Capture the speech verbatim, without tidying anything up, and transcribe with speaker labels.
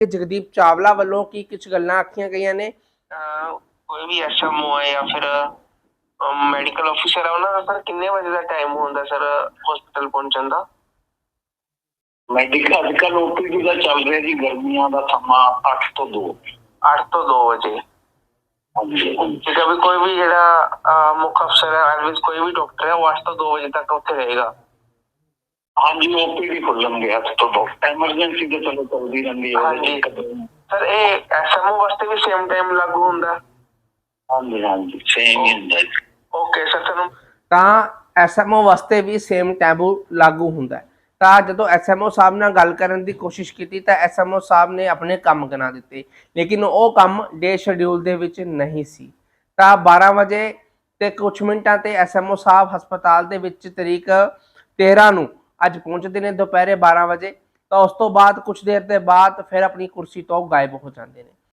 Speaker 1: ਜਗਦੀਪ ਚਾਵਲਾ ਵੱਲੋਂ ਕੀ ਕੁਝ ਗੱਲਾਂ ਆਖੀਆਂ ਗਈਆਂ ਨੇ।
Speaker 2: ਕੋਈ ਵੀ ਐਸਐਮਓ ਹੈ ਜਾਂ ਫਿਰ ਮੈਡੀਕਲ ਅਫਸਰ ਹੈ, ਉਹਨਾਂ ਦਾ ਸਰ ਕਿੰਨੇ ਵਜੇ ਦਾ ਟਾਈਮ ਹੁੰਦਾ ਸਰ ਹਸਪੀਟਲ ਪਹੁੰਚਣ ਦਾ?
Speaker 3: ਮੈਡੀਕਲ ਅੱਜ ਕੱਲ੍ਹ ਓਪੀਡੀ ਦਾ ਚੱਲ ਰਿਹਾ ਜੀ, ਗਰਮੀਆਂ ਦਾ ਸਮਾਂ ਅੱਠ ਤੋਂ ਦੋ।
Speaker 2: ਅੱਠ ਤੋਂ ਦੋ ਵਜੇ
Speaker 3: ਹਾਂਜੀ
Speaker 2: ਠੀਕ ਹੈ। ਵੀ ਕੋਈ ਵੀ ਜਿਹੜਾ ਮੁੱਖ ਅਫਸਰ ਹੈ ਐਡਮਿਸ ਕੋਈ ਵੀ ਡਾਕਟਰ ਹੈ ਉਹ ਅੱਠ ਤੋਂ ਦੋ ਵਜੇ ਤੱਕ ਉੱਥੇ ਰਹੇਗਾ।
Speaker 3: ਹਾਂਜੀ ਓਪੀਡੀ ਖੁੱਲਣਗੇ ਅੱਠ ਤੋਂ ਦੋ। ਐਮਰਜੈਂਸੀ ਤਾਂ ਚਲੋ ਚੱਲਦੀ ਰਹਿੰਦੀ ਹੈ।
Speaker 2: ਹਾਂਜੀ ਸਰ, ਇਹ ਐਸਐਮਓ ਵਾਸਤੇ ਵੀ ਸੇਮ ਟਾਈਮ ਲਾਗੂ ਹੁੰਦਾ?
Speaker 3: ਹਾਂਜੀ ਹਾਂਜੀ ਸੇਮ ਹੀ ਹੁੰਦਾ।
Speaker 2: Okay sir. ਤੁਹਾਨੂੰ
Speaker 1: ਤਾਂ ਐਸਐਮਓ ਵਾਸਤੇ ਵੀ ਸੇਮ ਟੈਬੂ ਲਾਗੂ ਹੁੰਦਾ ਹੈ। ਤਾਂ ਜਦੋਂ ਐਸਐਮਓ ਸਾਹਿਬ ਨਾਲ ਗੱਲ ਕਰਨ ਦੀ ਕੋਸ਼ਿਸ਼ ਕੀਤੀ ਤਾਂ ਐਸਐਮਓ ਸਾਹਿਬ ਨੇ ਆਪਣੇ ਕੰਮ ਗਿਣਾ ਦਿੱਤੇ, ਲੇਕਿਨ ਉਹ ਕੰਮ ਡੇ ਸ਼ਡਿਊਲ ਦੇ ਵਿੱਚ ਨਹੀਂ ਸੀ। ਤਾਂ ਬਾਰਾਂ ਵਜੇ ਤੇ ਕੁਛ ਮਿੰਟਾਂ ਤੇ ਐਸਐਮਓ ਸਾਹਿਬ ਹਸਪਤਾਲ ਦੇ ਵਿੱਚ ਤਰੀਕ ਤੇਰਾਂ ਨੂੰ ਅੱਜ ਪਹੁੰਚਦੇ ਨੇ ਦੁਪਹਿਰੇ ਬਾਰਾਂ ਵਜੇ। ਤਾਂ ਉਸ ਤੋਂ ਬਾਅਦ ਕੁਛ ਦੇਰ ਦੇ ਬਾਅਦ ਫਿਰ ਆਪਣੀ ਕੁਰਸੀ ਤੋਂ ਗਾਇਬ ਹੋ ਜਾਂਦੇ ਨੇ।